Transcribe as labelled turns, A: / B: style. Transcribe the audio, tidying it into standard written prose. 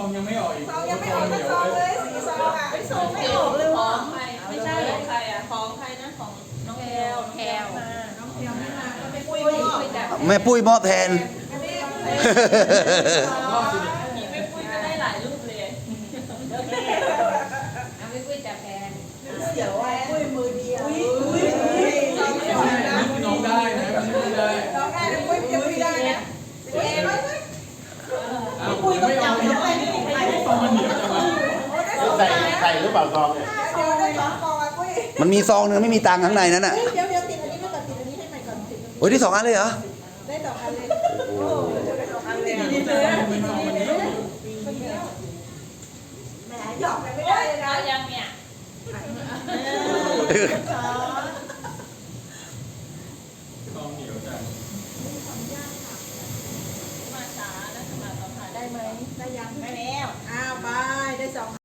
A: องยังไม่ออกอีก
B: ซองยังไม่ออกสักซองเลยสีซองอ่ะซองไม่ออกเลยว่ะ
C: ไม่ใช่ของใครอ่ะของใครนะของน้องแพลว
B: น้องแพลวไม่มาก็ไม่ปุ้ย
D: แม่ปุ้ยมอบแทน
C: มีไม่ปุ้ยก็ได้หลายรูปเลย
E: เอาไปคุยจับแพน
B: เสียวไอ้ปุ้ยมือเดียวซองไม่
A: ไม่
B: ออก
A: ใช่
B: นะ
A: นี่คือน้องได้นะไม่ได้
B: น้องได้แต่ปุ้ยยังไม่ได้นะเอ๊ะ
A: อ้าวยังไม่ออกอีกซองมันเหนียวจังวะ
F: ใส่หรือเปล่าซองเนี่ย
B: เดี๋ยวได้สองซองอ่ะปุ้ย
D: มันมีซองนึงไม่มีตังค์ข้างในนั้นน่ะ
B: เดี๋ยวติดอันนี้ไม่ก่อนติดอันนี้ให้ใหม่ก่อนติด
D: โอ้ยที่2 อันเลยเหรอ
B: ได้สองอันเลยโอ้ได้สองอันเลย
A: นี่จะซองเป็นซองมันเหนียว
B: แหมหยอกกันไม่ได้เลยนะ
C: ยังเนี่ย
A: ซองเหนียวจัง
C: มาช้านะมาตอนถ่าย
B: ได้ไหมได้ยังได้แล้วอ้าวไปได้สอง